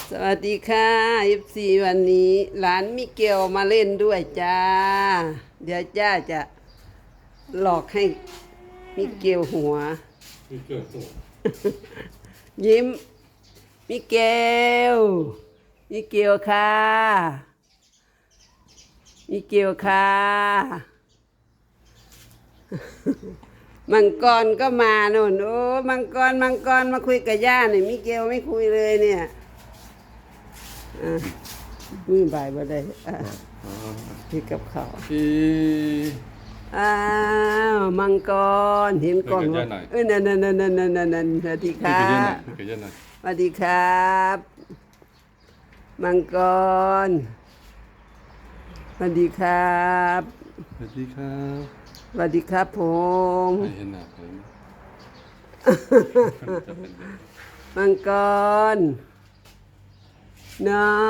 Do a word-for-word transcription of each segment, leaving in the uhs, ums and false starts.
สวัสดีค่ะเอฟซีวันนี้หลานมิเกลมาเล่นด้วยจ้า เดี๋ยวจ้าจะหลอกให้มิเกลหัวมีเกิดตัวยิ้ม มิเกล มิเกลค่ะ มิเกลค่ะ มังกรก็มาโน่นโอ้มังกรมังกรมาคุยกับย่าหน่อยมิเกลไม่คุยเลยเนี่ยอ่ะมือบ่ายบ่ได้อ่ะพี่กับเขาวพี่อ้าวมังกรเห็นกล้องไหมเอ้ยนั่นนั่นนั่นนั่นนั่นนั่นนั่นสวัสดีคพี่รัเยอะหน่อยบพี่เยอะหน่อยสวัสดีครับ มังกรสวัสดีครับสวัสดีครับสวัสดีครับผมไม่เห็นหน้าเลยจะเป็นยังไงมังกรเนาะ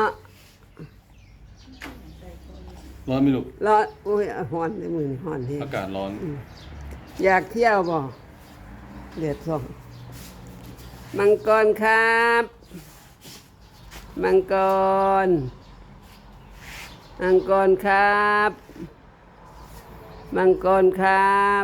ร้อนไหมลูกร้อนอุ้ยหอนในมือนี่หอนเฮงอากาศร้อนอยากเที่ยวบ่เดือดส่องมังกรครับ มังกร มังกรครับ มังกรครับ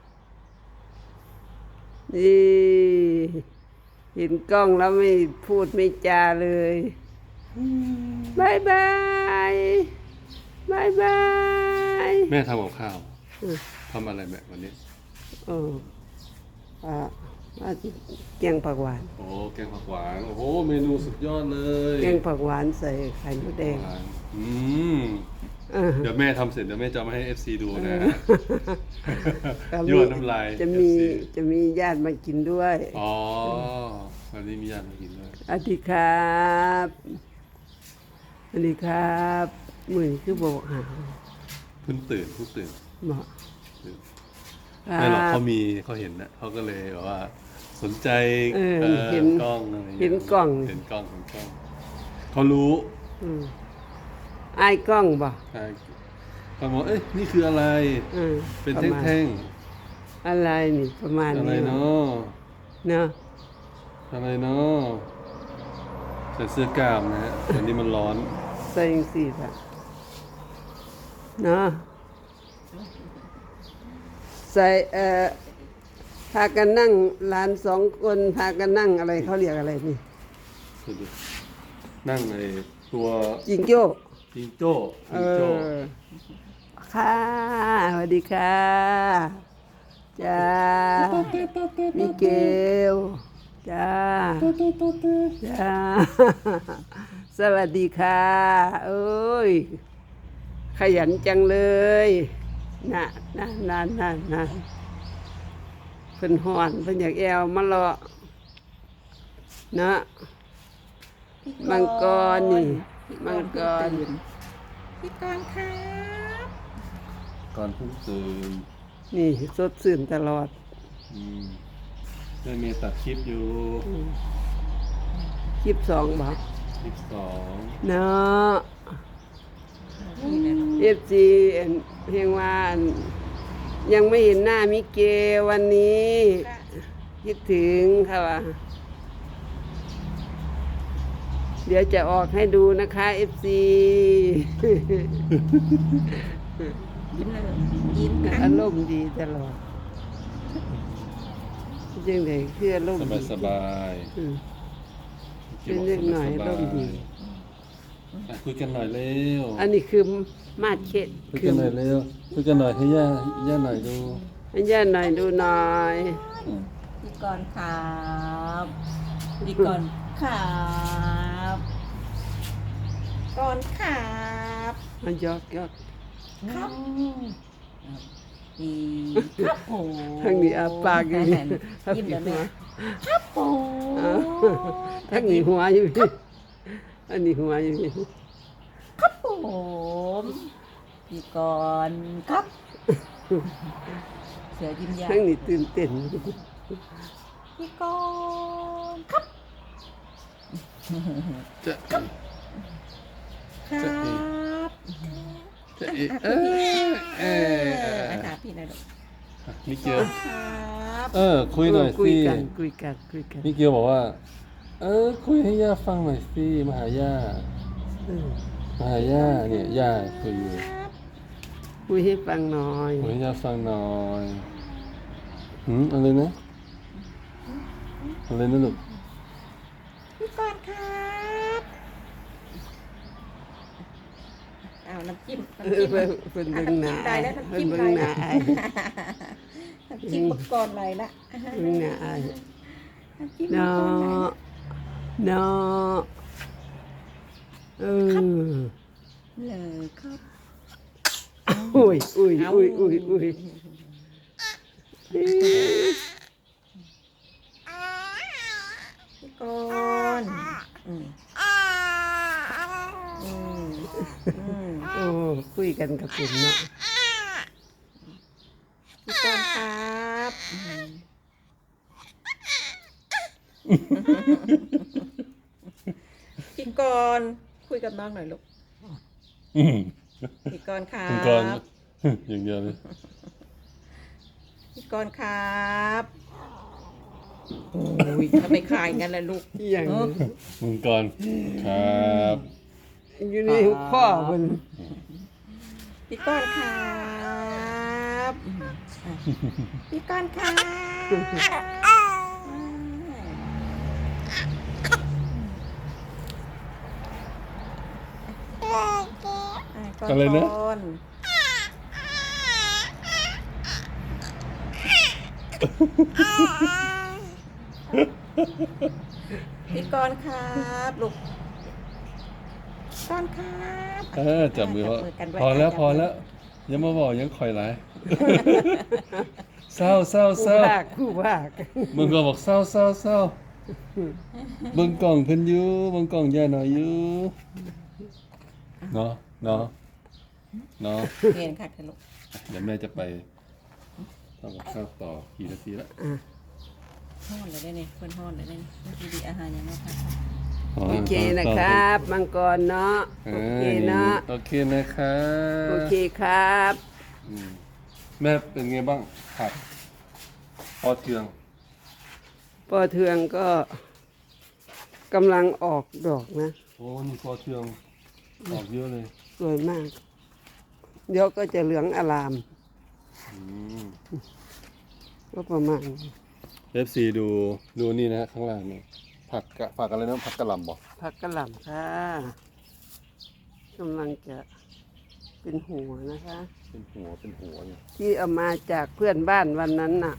นี่เห็นกล้องแล้วไม่พูดไม่จาเลยบายบายบายบายแม่ทำกับข้าวทำอะไรแม่วันนี้เอออ่าว่าสิแกงผักหวานโอ้แกงผักหวานโอ้โหเมนูสุดยอดเลยแกงผักหวานใส่ไข่มดแดงหวานอืมเออเดี๋ยวแม่ทำเสร็จเดี๋ยวแม่จะเอามาให้ เอฟ ซี ดูนะก็มียั่วน้ำลายจะมีเอฟซีจะมีญาติมากินด้วยอ๋อวันนี้มีญาติมากินด้วยสวัสดีครับสวัสดีครับมือคือบอกหาเพิ่งตื่นเพิ่งตื่นบอกตื่นครัไม่หรอกบเขามีเขาเห็นนะเขาก็เลยแบบว่าสนใจเออเอ่อเห็นกล้องอะไรอย่างเห็เงี้ยนกล้องเห็นกล้องเห็นกล้องเขารู้อืมไอ้ายกล้องบอกใช่เขาบอกเอ้ยนี่คืออะไรอืมเป็นประมาณแท่งอะไรนี่ประมาณๆอะไรนี้เนาะเนาะอะไรเนาะใส่เสื้อกล้ามนะฮะวันนี้มันร้อนใส่ยังสี่ค่ะเนาะใส่เอ่อพากันนั่งหลานสองคนพากันนั่งอะไรเขาเรียกอะไรนี่ดูดินั่งไอ้ตัวจิงโจ้จิงโจ้เอจิงโจ้อค่ะสวัสดีค่ะจ้ามิเกลจ้าจ้าสวัสดีค่ะเอ้ยขยันจังเลยน่ะน่ะน่ะน่ะน่ะเพิ่นห่อนเพิ่นอยากแอวมารอนะมังกรนี่มังกรพี่กรณ์ครับก่อนเพิ่งตื่นนี่สดชื่นตลอดอืมแม่เมย์ตัดคลิปอยู่คลิปสองบอกคลิปสองเนาะนี่นะเอฟซีเพียงว่าอันยังไม่เห็นหน้ามิเกลวันนี้ คิดถึงค่ะว่าเดี๋ยวจะออกให้ดูนะคะเอฟซียิ้มเลยยิ้มกัอาน รมณ์ดีตลอดจังเลยคืออารมสณ์บาดียสบายอืม เป็นเล็กหน่อยร่มดีอ่ะคุยกันหน่อยเร็วอันนี้คือมาดเข็ดคุยคืกัอนหน่อยเร็วคุยกันหน่อยให้ย่าย่าหน่อยดูให้ย่าหน่อยดูหน่อยพี่กรณ์ครับพี่กรณ์ครับกรณ์ครับมันยอกยอกครับดีครับผมทั้งนี้อาปากอยู่นี่ยิ้มแล้วแม่ครับผมอ้าวทั้งนี้หัวอยู่นี่อันนี้หัวอยู่นี่ครับผมพี่กรณ์ครับเสือยิ้มยาทั้งนี้ตื่นเต้นพี่กรณ์ครับจะครับจะเอะเออเออเออนะคะพี่นะลูกมิเกียวครับเออคุยหน่อยคุยสิกันคุยกันคุยกันมิเกียวบอกว่าเออคุยให้ย่าฟังหน่อยสิมาหาย่าเออมาหาย่าเนี่ยย่าคุยอยู่คุยให้ฟังหน่อยคุยให้ย่าฟังหน่อยหืมอะไรนะอะไรนะลูกพี่ก่อนครับเอาน้ำจิ้มเอน้ำอจิ้มเพิ่นเพิ่นเบิ่งหน้าได้แล้วน้ำเพิ่นจิ้มเบิ่ได้งหแล้น้าว อายน้ำจิ้มมังกรไหลละเบิ่งหน้าอายน้ำจิ้มมังเนากรไหลละะเนาะเออเลยครับอุ้ยอุ้ยอุ้ยอุ้ยอุ้ยพี่ก่อนอืมอืมอืมโอ้คุยกันกับผมเนาะพี่ก่อนครับอืมพี่ก่อนคุยกับน้องหน่อยลูกอืมพี่กรณ์ครัคุณกรณ์บอย่างเดียวเลยพี่กรณ์ครับโอ้ยทำไมคายงั้นล่ะลูกอหย่างเออคุณกรณ์ครับอยู่ในหัวข้อเพิ่นพี่กรณ์ครับพี่กรณ์ครับอะไรนะก่อนพี่กรณ์ครับลูกกรณ์ครับเออจับมือพอกันไว้พอแล้วจับพอมืแล้วอยังมาบอกยังคอยหลาย เศร้าเศร้าผู้เศร้าภาคผู้ภาคมึงก็บอกเศร้าเศร้าเศร้าเบิ่งกล่องเพิ่นอยู่เบิ่งกล่องย่าหน่อยอยู่เนาะเนาะเนาะเรียนค่ะลูกเดี๋ยวแม่จะไปทำกับข้าวต่อกี่นาทีละอ่ะห้อนเลยได้เนี่ยเพื่อนห้อนเลยได้เนี่ยเมื่อกี้ดีอาหารยังไงคะอ๋อโอเคนะครับ มังกรเนาะเอโออเคเนาะโอเคนะครับโอเคครับอืมแม่เป็นไงบ้างผัดพอเทืองปอเทืองก็กำลังออกดอกนะโอ้นี่พอเทืองออกเยอะเลยสวยมาก เดี๋ยวก็จะเหลืองอลามอืมก็ประมาณนี้เอฟซีดูดูนี่นะข้างล่างนี่ผักกะผักอะไรนะผักกะหล่ำบอกผักกะหล่ำค่ะกำลังจะเป็นหัวนะคะเป็นหัวเป็นหัวเนี่ยที่เอามาจากเพื่อนบ้านวันนั้นน่ะ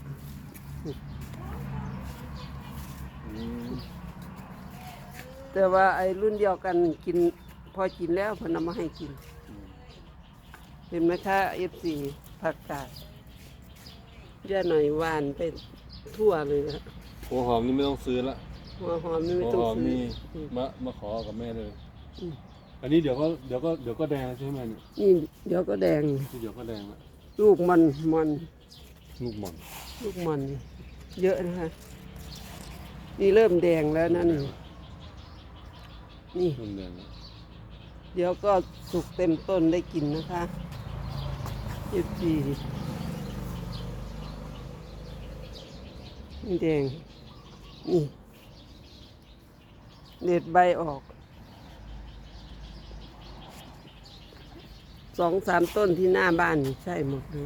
อืมแต่ว่าไอ้รุ่นเดียวกันกินพอกินแล้วเพนเอามาให้กิน เห็นไหมคะเอฟซีผักกาดย่าหน่อยหวานไปทั่วเลยนะหัวหอมนี่ไม่ต้องซื้อละหัวหอมนี่หัไม่วต้องหอมซื้อนี่อืมมามาขอกับแม่เลยอืมอันนี้เดี๋ยวก็เดี๋ยวก็เดี๋ยวก็แดงใช่ไหมเนี่ยนี่เดี๋ยวก็แดงนี่เดี๋ยวก็แดงละลูกมันมันลูกหม่อนลูกมันเยอะนะคะ นี่เริ่มแดงแล้วนะนี่นี่เริ่มแดงละเดี๋ยวก็สุกเต็มต้นได้กินนะคะยี่สิบสี่นี่แดง นี่เด็ดใบออก สองสามต้นที่หน้าบ้านนี่ใช่หมดเลย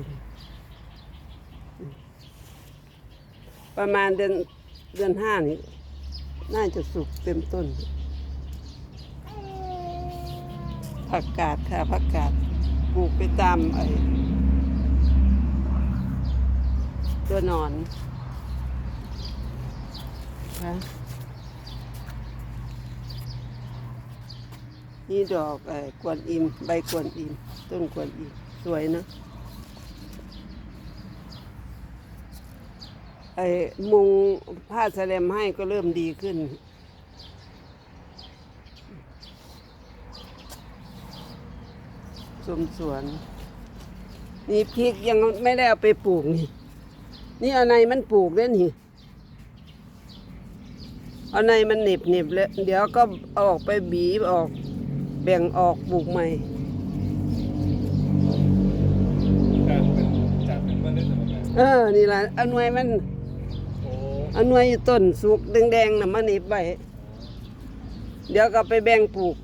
ประมาณเดือนเดือนห้านี่ น่าจะสุกเต็มต้น ผักกาดค่ะผักกาดปลูกไปตามไอ้ตัวหนอนค่ะนี่ดอกไอ้กวนอิม ใบกวนอิม ต้นกวนอิม สวยนะไอ้มุงผ้าแสลมให้ก็เริ่มดีขึ้น สมสวน นี่พริกยังไม่ได้เอาไปปลูกนี่ นี่เอาในมันปลูกได้นี่เอาในมันเหน็บเหน็บแล้วเดี๋ยวก็เอาออกไปบีบออก แบ่งออกปลูกใหม่จากเป็นจากเป็นเมล็ดมาแม่เออ นี่ล่ะเอาหน่วยมันโอ้เอาหน่วยอยู่ต้นสุกแดงๆน่ะมาเหน็บไว้อ๋อเดี๋ยวก็ไปแบ่งปลูก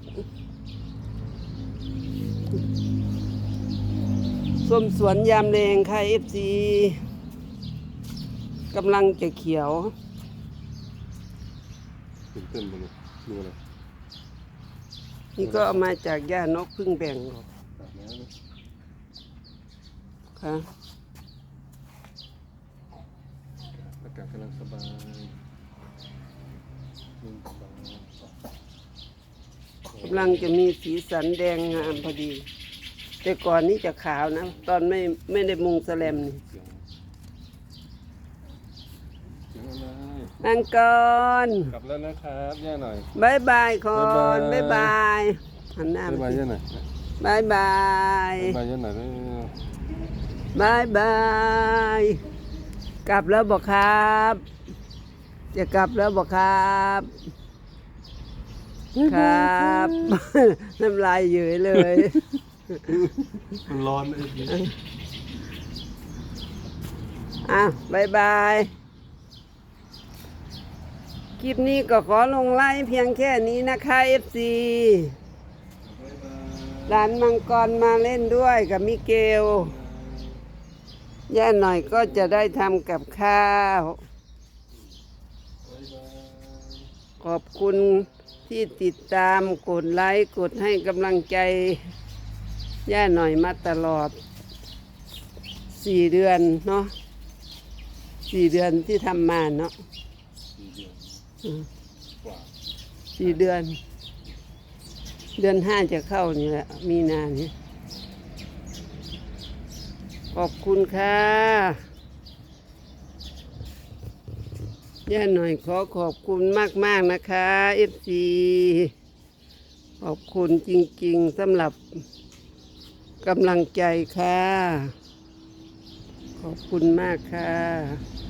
ส้มสวนยามแรงค่ะเอฟซีกำลังจะเขียวตื่นเต้นไปเลยดูอะไรนี่ก็เอามาจากย่านกพึ่งแบ่งออกอาบน้ำนะค่ะอากาศกำลังสบายนิ่งสบายกำลังจะมีสีสันแดงงามพอดี แต่ก่อนนี้จะขาวนะ ตอนไม่ไม่ได้มุงสแลมนี่เสียงเสียงอะไรนั่งก่อนกลับแล้วนะครับย่าหน่อยบายบายก่อนบาบ๊าย ยบาบายยหันหน้าบ๊ายมาบายสิย่าหน่อยบายบายบ๊ายบายย่าหน่อยเร็วบายบาย กลับแล้วบอกครับ จะกลับแล้วบอกครับ ครับ น้ำลายเยอยเลยมันร้อนไอ้พี่อ่ะบายบาย คลิปนี้ก็ขอลงไลน์เพียงแค่นี้นะคะเอฟซีบ๊ายบายร้านมังกรมาเล่นด้วยกับมิเกล ย่าหน่อยก็จะได้ทำกับข้าวบ๊ายบายขอบคุณที่ติดตามกดไลค์กดให้กำลังใจ ย่าหน่อยมาตลอดสี่เดือนเนาะสี่เดือนที่ทำมาเนาะสี่เดือนอืมกว่าสี่เดือน เดือนห้าจะเข้านี่แหละ มีนานี่ขอบคุณค่ะย่าหน่อยขอขอบคุณมาก ๆ นะคะเอฟซีขอบคุณจริง ๆสำหรับกำลังใจค่ะ ขอบคุณมากค่ะ